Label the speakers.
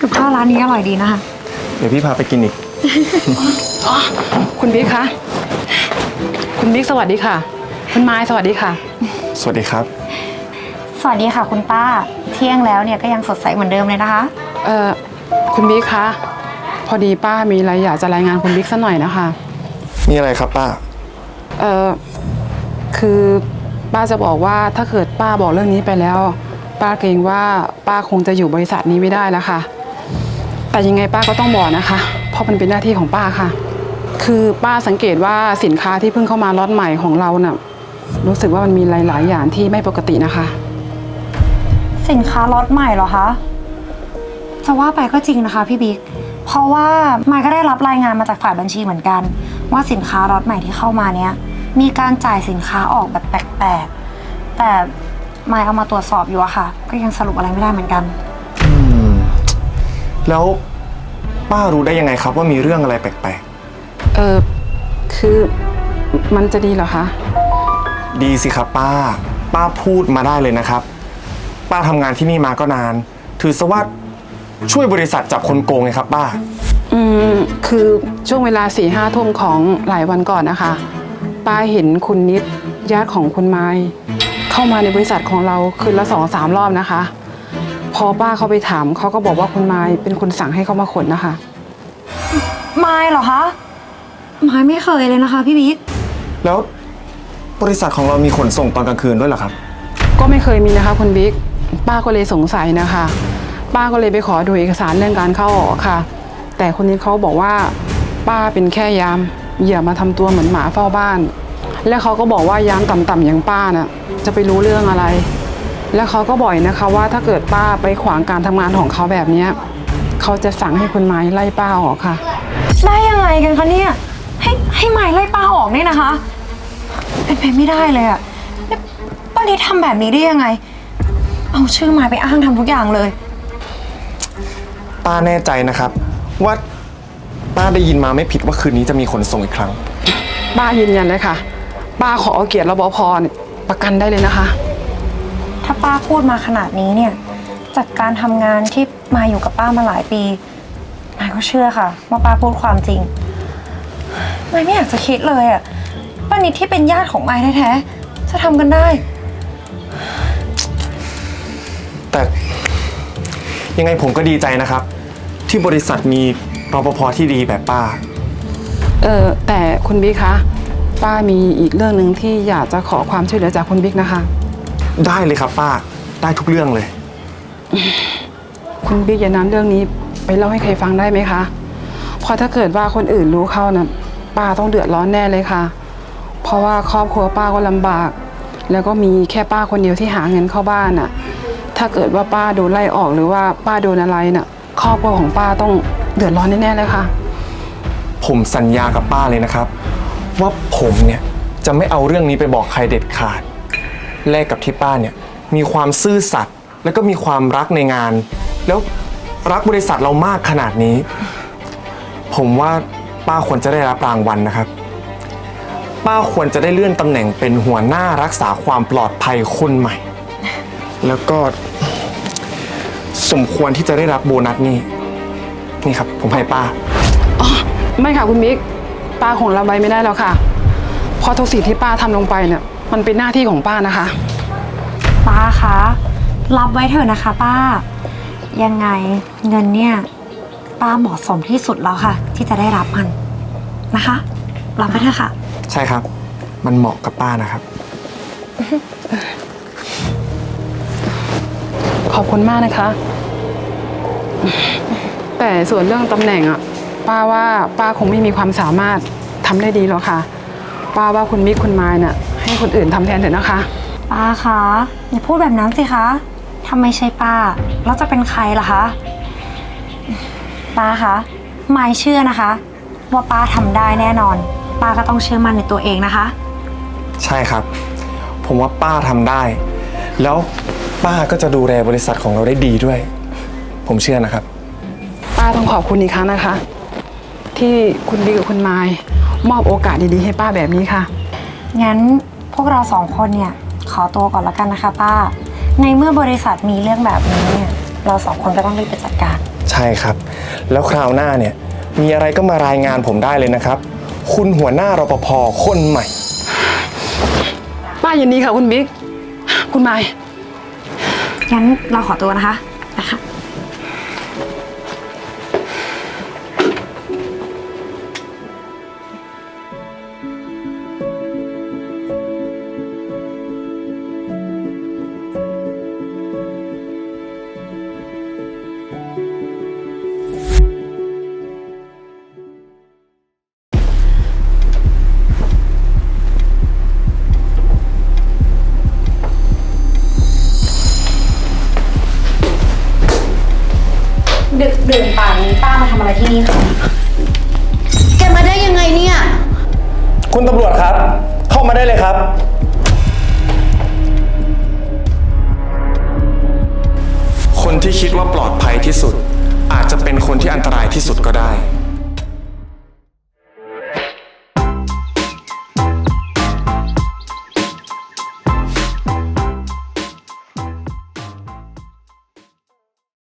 Speaker 1: กับข้าวร้านนี้อร่อยดีนะคะ
Speaker 2: เดี๋ยวพี่พาไปกินอีก
Speaker 3: อ๋อคุณบิ๊กคะคุณบิ๊กสวัสดีค่ะคุณไม้สวัสดีค่ะ
Speaker 2: สวัสดีครับ
Speaker 1: สวัสดีค่ะคุณป้าเที่ยงแล้วเนี่ยก็ยังสดใสเหมือนเดิมเลยนะคะ
Speaker 3: คุณบิ๊กคะพอดีป้ามีอะไรอยากจะรายงานคุณบิ๊กสักหน่อยนะคะ
Speaker 2: มีอะไรครับป้า
Speaker 3: คือป้าจะบอกว่าถ้าเกิดป้าบอกเรื่องนี้ไปแล้ว ป้าเกรงว่าป้าคงจะอยู่บริษัทนี้ไม่ได้แล้วค่ะแต่ยังไงป้าก็ต้องบอกนะคะเพราะมันเป็นหน้าที่ของป้าค่ะคือป้าสังเกตว่าสินค้าที่เพิ่งเข้ามาล็อตใหม่ของเราน่ะรู้สึกว่ามันมีหลายๆอย่างที่ไม่ปกตินะคะ
Speaker 1: สินค้าล็อตใหม่เหรอคะจะว่าไปก็จริงนะคะพี่บิ๊กเพราะว่ามายก็ได้รับรายงานมาจากฝ่ายบัญชีเหมือนกันว่าสินค้าล็อตใหม่ที่เข้ามาเนี้ยมีการจ่ายสินค้าออกแบบแปลกๆแต่มายเอามาตรวจสอบอยู่อะค่ะก็ยังสรุปอะไรไม่ได้เหมือนกัน
Speaker 2: แล้วป้ารู้ได้ยังไงครับว่ามีเรื่องอะไรแปลก
Speaker 3: คือมันจะดีเหรอคะ
Speaker 2: ๆ ดีสิครับป้า ป้าพูดมาได้เลยนะครับ ป้าทำงานที่นี่มาก็นาน ถือซะว่าช่วยบริษัทจับคนโกงไงครับป้า
Speaker 3: คือช่วงเวลา4-5 ทุ่มของหลายวันก่อนนะคะป้าเห็นคุณนิดญาติของคุณไม้เข้ามาในบริษัทของเราคืนละ2-3 รอบนะคะพอป้าเขาไปถามเขาก็บอกว่าคุณไม้เป็นคนสั่งให้เขามาขนนะคะ
Speaker 1: มายเหรอคะมายไม่เคยเลยนะคะพี่บิ๊ก
Speaker 2: แล้วบริษัทของเรามีขนส่งตอนกลางคืนด้วยเหรอครับ
Speaker 3: ก็ไม่เคยมีนะคะคุณบิ๊กป้าก็เลยสงสัยนะคะป้าก็เลยไปขอดูเอกสารเรื่องการเข้าออกค่ะแต่คนนี้เขาบอกว่าป้าเป็นแค่ยามอย่ามาทำตัวเหมือนหมาเฝ้าบ้านและเขาก็บอกว่ายามต่ำๆอย่างป้าน่ะจะไปรู้เรื่องอะไรและเขาก็บอกนะคะว่าถ้าเกิดป้าไปขวางการทำงานของเขาแบบนี้เขาจะสั่งให้คุณไม้ไล่ป้าออกค่ะ
Speaker 1: ได้ยังไงกันคะเนี่ยให้มายไล่ป้าออกเนี่ยนะคะเป็นไปไม่ได้เลยอะแล้วป้านิดทำแบบนี้ได้ยังไงเอาชื่อมายไปอ้างทำทุกอย่างเลย
Speaker 2: ป้าแน่ใจนะครับ ว่าป้าได้ยินมาไม่ผิดว่าคืนนี้จะมีขนส่งอีกครั้ง
Speaker 3: ป้ายืนยันเลยค่ะป้าขอเอาเกียรติรปภประกันได้เลยนะคะ
Speaker 1: ถ้าป้าพูดมาขนาดนี้เนี่ยจากการทำงานที่มายอยู่กับป้ามาหลายปีมายก็เชื่อค่ะว่าป้าพูดความจริงมายไม่อยากจะคิดเลยอะป้านิดที่เป็นญาติของมายแท้ๆจะทำกันได้
Speaker 2: แต่ยังไงผมก็ดีใจนะครับ ที่บริษัทมีรปภที่ดีแบบป้า
Speaker 3: แต่คุณบิ๊กคะป้ามีอีกเรื่องหนึ่งที่อยากจะขอความช่วยเหลือจากคุณบิ๊กนะคะ
Speaker 2: ได้เลยครับป้าได้ทุกเรื่องเลย
Speaker 3: คุณบิ๊กอย่านำเรื่องนี้ไปเล่าให้ใครฟังได้ไหมคะเพราะถ้าเกิดว่าคนอื่นรู้เข้านะป้าต้องเดือดร้อนแน่เลยค่ะเพราะว่าครอบครัวป้าก็ลำบากแล้วก็มีแค่ป้าคนเดียวที่หาเงินเข้าบ้านน่ะถ้าเกิดว่าป้าโดนไล่ออกหรือว่าป้าโดนอะไรน่ะครอบครัวของป้าต้องเดือดร้อนแน่ๆเลยค่ะ
Speaker 2: ผมสัญญากับป้าเลยนะครับ ว่าผมเนี่ยจะไม่เอาเรื่องนี้ไปบอกใครเด็ดขาดแลกกับที่ป้าเนี่ยมีความซื่อสัตย์แล้วก็มีความรักในงาน แล้วรักบริษัทเรามากขนาดนี้ ผมว่าป้าควรจะได้รับรางวัลนะครับ ป้าควรจะได้เลื่อนตำแหน่งเป็นหัวหน้ารักษาความปลอดภัยคนใหม่ แล้วก็สมควรที่จะได้รับโบนัสนี่ครับผมให้ป้า
Speaker 3: ไม่ค่ะคุณบิ๊กป้าคงรับไว้ไม่ได้แล้วค่ะเพราะทุกสิ่งที่ป้าทำลงไปเนี่ยมันเป็นหน้าที่ของป้านะคะ
Speaker 1: ป้าคะรับไว้เถอะนะคะป้ายังไงเงินเนี่ยป้าเหมาะสมที่สุดแล้วค่ะ ที่จะได้รับมันนะคะรับไว้เถอะค่ะ
Speaker 2: ใช่ครับมันเหมาะกับป้านะครับ
Speaker 3: ขอบคุณมากนะคะ แต่ส่วนเรื่องตำแหน่งอ่ะป้าว่าป้าคงไม่มีความสามารถทำได้ดีหรอกค่ะป้าว่าคุณบิ๊กคุณไม้น่ะให้คนอื่นทำแทนเถอะนะคะ
Speaker 1: ป้าคะอย่าพูดแบบนั้นสิคะถ้าไม่ใช่ป้าแล้วจะเป็นใครล่ะคะป้าคะมายเชื่อนะคะว่าป้าทำได้แน่นอนป้าก็ต้องเชื่อมั่นในตัวเองนะคะ
Speaker 2: ใช่ครับ ผมว่าป้าทำได้ แล้วป้าก็จะดูแลบริษัทของเราได้ดีด้วย ผมเชื่อนะครับ
Speaker 3: ป้าต้องขอบคุณอีกครั้งนะคะ ที่คุณบิ๊กกับคุณไม้มอบโอกาสดีๆให้ป้าแบบนี้ค่ะ
Speaker 1: งั้นพวกเราสองคนเนี่ยขอตัวก่อนละกันนะคะป้าในเมื่อบริษัทมีเรื่องแบบนี้เนี่ยเราสองคนก็ต้องรีบไปจัดการ
Speaker 2: ใช่ช่ครับ แล้วคราวหน้าเนี่ยมีอะไรก็มารายงานผมได้เลยนะครับ คุณหัวหน้ารปภคนใหม่
Speaker 3: ป้ายินดีค่ะคุณบิ๊กคุณไมค์
Speaker 1: งั้นเราขอตัวนะคะนะคะ ดึกดื่นป่านนี้ป้ามาทำอะไรที่นี่คะ
Speaker 4: แกมาได้ยังไงเนี่ย
Speaker 2: คุณตำรวจครับ เข้ามาได้เลยครับ คนที่คิดว่าปลอดภัยที่สุด อาจจะเป็นคนที่อันตรายที่สุดก็ได้